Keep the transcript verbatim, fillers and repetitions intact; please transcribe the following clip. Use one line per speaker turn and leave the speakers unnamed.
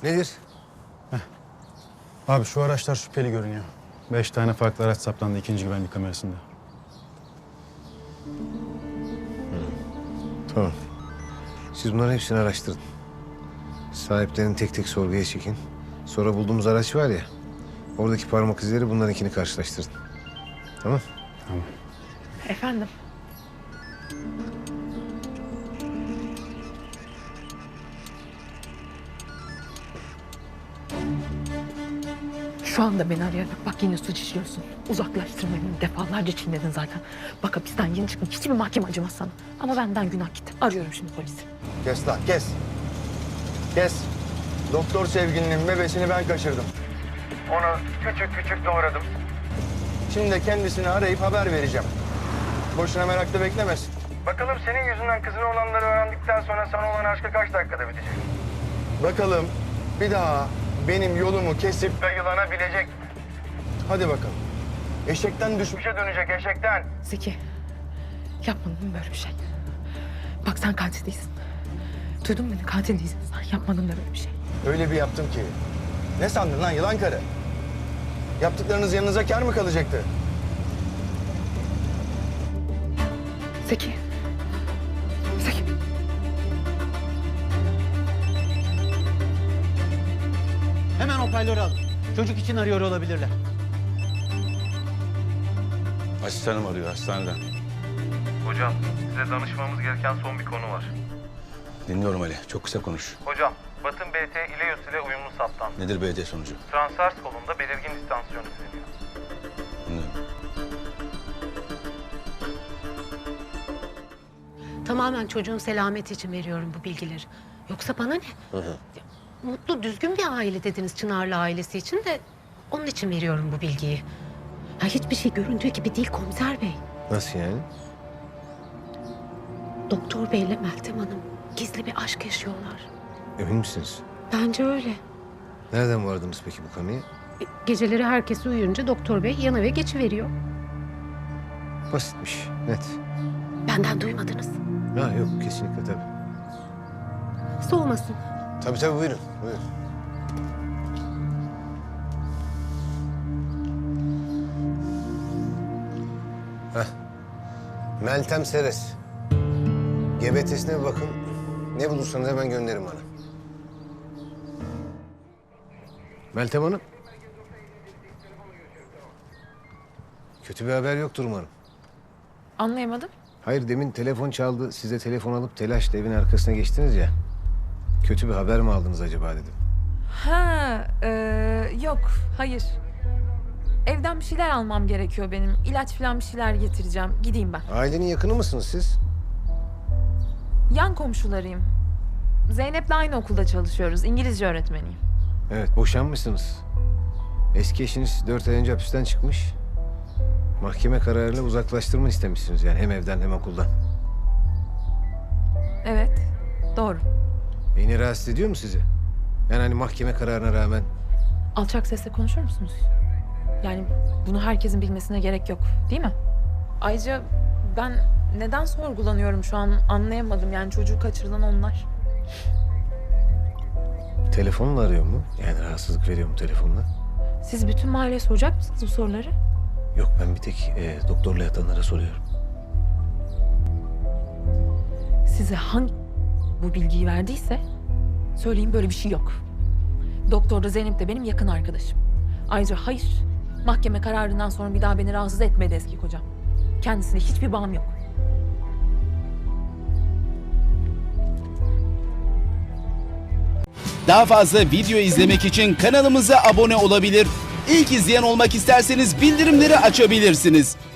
Nedir?
Abi şu araçlar şüpheli görünüyor. Beş tane farklı araç saptandı ikinci güvenlik kamerasında.
Tamam. Siz bunların hepsini araştırın. Sahiplerini tek tek sorguya çekin. Sonra bulduğumuz araç var ya, oradaki parmak izleri bunlarınkini karşılaştırın. Tamam?
Tamam.
Efendim? Şu anda beni arayarak bak yine suç işliyorsun. Uzaklaştırmayı defalarca çiğnedin zaten. Bak hapisten yeni çıkmış, hiçbir mahkeme acımaz sana. Ama benden günah gitti. Arıyorum şimdi polisi.
Kes lan kes. Kes. Doktor sevgilinin bebesini ben kaçırdım. Onu küçük küçük doğradım. Şimdi de kendisini arayıp haber vereceğim. Boşuna merakla beklemesin. Bakalım senin yüzünden kızına olanları öğrendikten sonra sana olan aşkı kaç dakikada bitecek? Bakalım bir daha benim yolumu kesip yılanabilecek mi? Hadi bakalım. Eşekten düşmüşe dönecek eşekten.
Zeki, yapmadın böyle bir şey. Bak sen katil değilsin. Duydun mu beni? Katil değilsin sen. Yapmadın da böyle bir şey.
Öyle bir yaptım ki. Ne sandın lan yılan karı? Yaptıklarınız yanınıza kâr mı kalacaktı?
Zeki. Zeki.
Hemen hoparlörü al. Çocuk için arıyor olabilirler.
Asistanım arıyor hastaneden.
Hocam, size danışmamız gereken son bir konu var.
Dinliyorum Ali. Çok kısa konuş.
Hocam, Batın B T İleus ile uyumlu saptandı.
Nedir B T sonucu?
Transvers kolunda belirgin distansiyon izleniyor.
Dinliyorum.
Tamamen çocuğun selameti için veriyorum bu bilgileri. Yoksa bana ne? Hı hı. Mutlu, düzgün bir aile dediniz Çınarlı ailesi için de onun için veriyorum bu bilgiyi. Ya hiçbir şey göründüğü gibi değil komiser bey.
Nasıl yani?
Doktor beyle Meltem Hanım gizli bir aşk yaşıyorlar.
Emin misiniz?
Bence öyle.
Nereden vardınız peki bu konuya?
E, Geceleri herkes uyuyunca doktor bey yan eve geçiveriyor.
Basitmiş, net.
Benden duymadınız.
Ha yok, kesinlikle tabii.
Soğumasın.
Tabii tabii, buyurun, buyurun. Heh. Meltem Seres. G B T'sine bir bakın. Ne bulursanız hemen gönderin bana. Meltem Hanım. Kötü bir haber yoktur umarım.
Anlayamadım.
Hayır, demin telefon çaldı. Siz de telefon alıp telaşla evin arkasına geçtiniz ya. Kötü bir haber mi aldınız acaba dedim.
Ha, e, yok, hayır. Evden bir şeyler almam gerekiyor benim. İlaç falan bir şeyler getireceğim. Gideyim ben.
Ailenin yakını mısınız siz?
Yan komşularıyım. Zeynep'le aynı okulda çalışıyoruz. İngilizce öğretmeniyim.
Evet, boşanmışsınız. Eski eşiniz dört ay önce hapisten çıkmış. Mahkeme kararıyla uzaklaştırma istemişsiniz yani hem evden hem okuldan.
Evet, doğru.
Beni rahatsız ediyor mu sizi? Yani hani mahkeme kararına rağmen.
Alçak sesle konuşur musunuz? Yani bunu herkesin bilmesine gerek yok, değil mi? Ayrıca ben neden sorgulanıyorum şu an anlayamadım. Yani çocuğu kaçırılan onlar.
Telefonla arıyor mu? Yani rahatsızlık veriyor mu telefonla?
Siz bütün mahalleye soracak mısınız bu soruları?
Yok, ben bir tek e, doktorla yatanlara soruyorum.
Size hangi bu bilgiyi verdiyse söyleyin, böyle bir şey yok. Doktor da Zeynep de benim yakın arkadaşım. Ayrıca hayır, mahkeme kararından sonra bir daha beni rahatsız etmedi eski kocam. Kendisine hiçbir bağım yok.
Daha fazla video izlemek için kanalımıza abone olabilir. İlk izleyen olmak isterseniz bildirimleri açabilirsiniz.